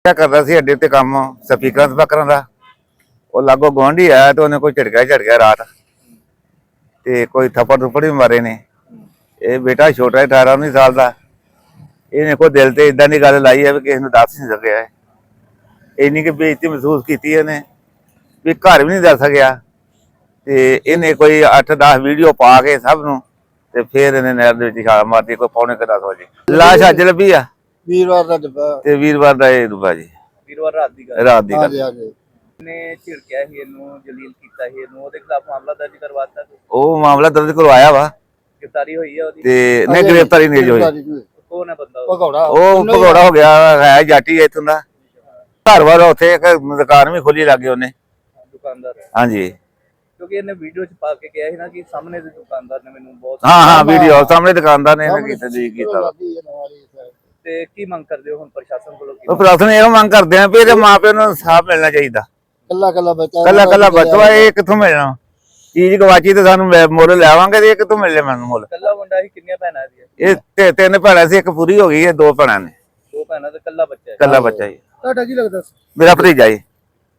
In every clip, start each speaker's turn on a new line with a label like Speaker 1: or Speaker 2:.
Speaker 1: करता सी अड्डे ते काम स्पीकर स्पीकर का वो लागो गुआढ़ी आया तो उन्हें कोई झटका रात ते कोई थप्पड़ थुप्पड़ भी मारे ने। ये बेटा छोटा 18-19 साल का इन्हें कोई दिल से इदा की गल लाई है भी किसी को दस नहीं सकिया है। इन्नी की बेइज्जती महसूस की इन्हें भी घर भी नहीं दस सकिया ते इन्हें कोई 8-10 वीडियो पा के सब नूं ते फिर इन्हें नहर दे विच छाल मारती कोई 9:45 बजे। लाश अज लभी आ
Speaker 2: वीरवार दा डब्बा
Speaker 1: ते वीरवार दा ये डुब्बा जी
Speaker 3: वीरवार रात दी गल
Speaker 1: रात दी
Speaker 2: हां
Speaker 1: गल।
Speaker 2: जी हां जी
Speaker 3: ने झिड़किया ही इनू जलील कीता ही इनू ओदे खिलाफ मामला दर्ज करवाता
Speaker 1: वो मामला दर्ज करवाया वा
Speaker 3: गिरफ्तारी हुई है ओदी
Speaker 1: ते नहीं गिरफ्तारी नहीं जो हुई।
Speaker 3: कौन है बंदा
Speaker 2: भगौड़ा
Speaker 1: ਉਹ ਭਗੌੜਾ ਹੋ ਗਿਆ ਹੈ ਜਾਟੀ ਇੱਥੋਂ ਦਾ ਘਰ ਵਾਰ ਉੱਥੇ ਇੱਕ ਦੁਕਾਨ ਵੀ ਖੋਲੀ ਲੱਗੇ ਉਹਨੇ।
Speaker 3: दुकानदार है
Speaker 1: ਹਾਂਜੀ
Speaker 3: क्योंकि इन्हें वीडियो च पा के कहा है ना कि सामने दे दुकानदार ने मैनू बहुत
Speaker 1: ਹਾਂ ਹਾਂ ਵੀਡੀਓ ਸਾਹਮਣੇ ਦੁਕਾਨਦਾਰ ਨੇ ਇਹਨਾਂ ਕੀਤਾ ਜੀ ਕੀਤਾ ਵਾ।
Speaker 3: ते की मंग करदे हो हुन प्रशासन कोलों
Speaker 1: ਉਹ ਪ੍ਰਸ਼ਾਸਨ ਇਹੋ ਮੰਗ ਕਰਦੇ ਆ ਵੀ ਇਹਦੇ ਮਾਪਿਆਂ ਨੂੰ ਇਨਸਾਫ ਮਿਲਣਾ ਚਾਹੀਦਾ।
Speaker 2: ਕੱਲਾ ਕੱਲਾ ਬੱਚਾ
Speaker 1: ਕੱਲਾ ਕੱਲਾ ਬੱਚਾ ਇਹ ਕਿੱਥੋਂ ਮਿਲਣਾ ਚੀਜ਼ ਗਵਾਚੀ ਤੇ ਸਾਨੂੰ ਮੁੱਲ ਲੈਵਾਂਗੇ ਤੇ ਇਹ ਕਿੱਥੋਂ ਮਿਲਣੇ ਮੈਨੂੰ ਮੁੱਲ।
Speaker 3: कल्ला मुंडा ही किन्नियां भैणां दी
Speaker 1: ਇਹ ਤਿੰਨ ਭੈਣਾਂ ਸੀ ਇੱਕ ਪੂਰੀ ਹੋ ਗਈ ਹੈ ਦੋ ਭੈਣਾਂ ਨੇ
Speaker 3: दो भैणां ते कल्ला बच्चा है।
Speaker 1: ਕੱਲਾ ਬੱਚਾ ਜੀ
Speaker 2: ਤੁਹਾਡਾ ਕੀ ਲੱਗਦਾ
Speaker 1: ਮੇਰਾ ਭਤੀਜਾ ਜੀ।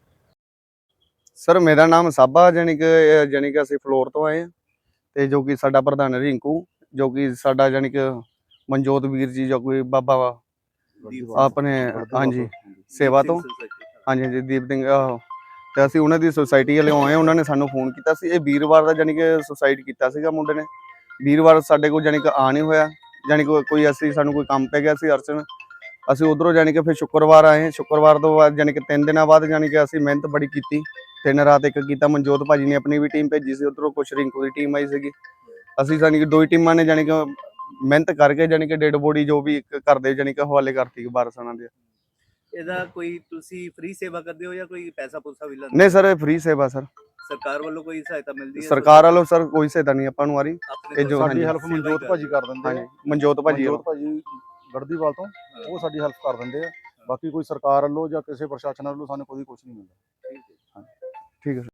Speaker 4: ਸਰ ਮੇਰਾ ਨਾਮ ਸਾਬਾ ਜਾਣੀ ਕਿ ਅਸੀਂ ਫਲੋਰ ਤੋਂ ਆਏ ਹਾਂ ਤੇ ਜੋ ਕਿ ਸਾਡਾ ਪ੍ਰਧਾਨ ਰਿੰਕੂ ਜੋ ਕਿ ਸਾਡਾ ਜਾਣੀ ਕਿ ਮਨਜੋਤ ਵੀਰ ਜੀ ਜੋ ਕੋਈ ਬਾਬਾ ਵਾ ਆਪਣੇ ਹਾਂਜੀ ਸੇਵਾ ਤੋਂ ਹਾਂਜੀ ਹਾਂਜੀ ਦੀਪ ਸਿੰਘ ਤੇ ਅਸੀਂ ਉਹਨਾਂ ਦੀ ਸੁਸਾਇਟੀ ਵਾਲੇ ਆਏ ਉਹਨਾਂ ਨੇ ਸਾਨੂੰ ਫੋਨ ਕੀਤਾ ਸੀ। ਇਹ ਵੀਰਵਾਰ ਦਾ ਜਾਣੀ ਕਿ ਸੁਸਾਇਡ ਕੀਤਾ ਸੀਗਾ ਮੁੰਡੇ ਨੇ। ਵੀਰਵਾਰ ਸਾਡੇ ਕੋਲ ਜਾਣੀ ਕਿ ਆ ਨਹੀਂ ਹੋਇਆ ਜਾਣੀ ਕੋਈ ਅਸੀਂ ਸਾਨੂੰ ਕੋਈ ਕੰਮ ਪੈ ਗਿਆ ਸੀ ਅਰਚਨ ਅਸੀਂ ਉਧਰੋਂ ਜਾਣੀ ਕਿ ਫਿਰ ਸ਼ੁੱਕਰਵਾਰ ਆਏ। ਸ਼ੁੱਕਰਵਾਰ ਤੋਂ ਬਾਅਦ ਜਾਣੀ ਕਿ 3 ਦਿਨਾਂ ਬਾਅਦ ਜਾਣੀ ਕਿ ਅਸੀਂ ਮਿਹਨਤ ਬੜੀ ਕੀਤੀ। 3 ਰਾਤ ਇੱਕ ਕੀਤਾ। ਮਨਜੋਤ ਭਾਜੀ ਨੇ ਆਪਣੀ ਵੀ ਟੀਮ ਭੇਜੀ ਸੀ ਉਧਰੋਂ ਕੁਛ ਰਿੰਕੂ ਦੀ ਟੀਮ ਆਈ ਸੀਗੀ। ਅਸੀਂ ਜਾਣੀ ਕਿ ਦੋ ਹੀ ਟੀਮਾਂ ਨੇ ਜਾਣੀ ਕਿ ਮਿਹਨਤ ਕਰਕੇ ਜਾਣੀ ਕਿ ਡੈਡ ਬੋਡੀ ਜੋ ਵੀ ਕਰਦੇ ਜਾਣੀ ਕਿ ਹਵਾਲੇ ਕਰਤੀ ਵਾਰਸਾਂ ਦੇ।
Speaker 3: ਇਹਦਾ ਕੋਈ ਤੁਸੀਂ ਫ੍ਰੀ ਸੇਵਾ ਕਰਦੇ ਹੋ ਜਾਂ ਕੋਈ ਪੈਸਾ ਪੂਸਾ ਵੀ ਲੈਂਦੇ?
Speaker 4: ਨਹੀਂ ਸਰ ਇਹ ਫ੍ਰੀ ਸੇਵਾ ਸਰ
Speaker 3: ਸਰਕਾਰ ਵੱਲੋਂ ਕੋਈ ਸਹਾਇਤਾ ਮਿਲਦੀ ਹੈ?
Speaker 4: ਸਰਕਾਰ ਵੱਲੋਂ ਸਰ ਕੋਈ ਸਹਾਇਤਾ ਨਹੀਂ ਆਪਾਂ ਨੂੰ ਆ ਰਹੀ।
Speaker 3: ਆਪਣੇ
Speaker 4: ਇਹ ਜੋ
Speaker 5: ਸਾਡੀ ਹੈਲਪ ਮਨਜੋਤ ਭਾਜੀ ਕਰ ਦਿੰਦੇ
Speaker 4: ਹਾਂਜੀ
Speaker 5: ਆ।
Speaker 4: ਮਨਜੋਤ ਭਾਜੀ
Speaker 5: ਮਨਜੋਤ ਭਾਜੀ ਗੜਦੀਵਾਲ ਤੋਂ ਉਹ ਸਾਡੀ ਹੈਲਪ ਕਰ ਦਿੰਦੇ ਆ। ਬਾਕੀ ਕੋਈ ਸਰਕਾਰ ਵੱਲੋਂ ਜਾਂ ਕਿਸੇ ਪ੍ਰਸ਼ਾਸਨ ਵੱਲੋਂ ਸਾਨੂੰ ਕੋਈ ਕੁਝ ਨਹੀਂ ਮਿਲਦਾ।
Speaker 4: ਠੀਕ ਹੈ।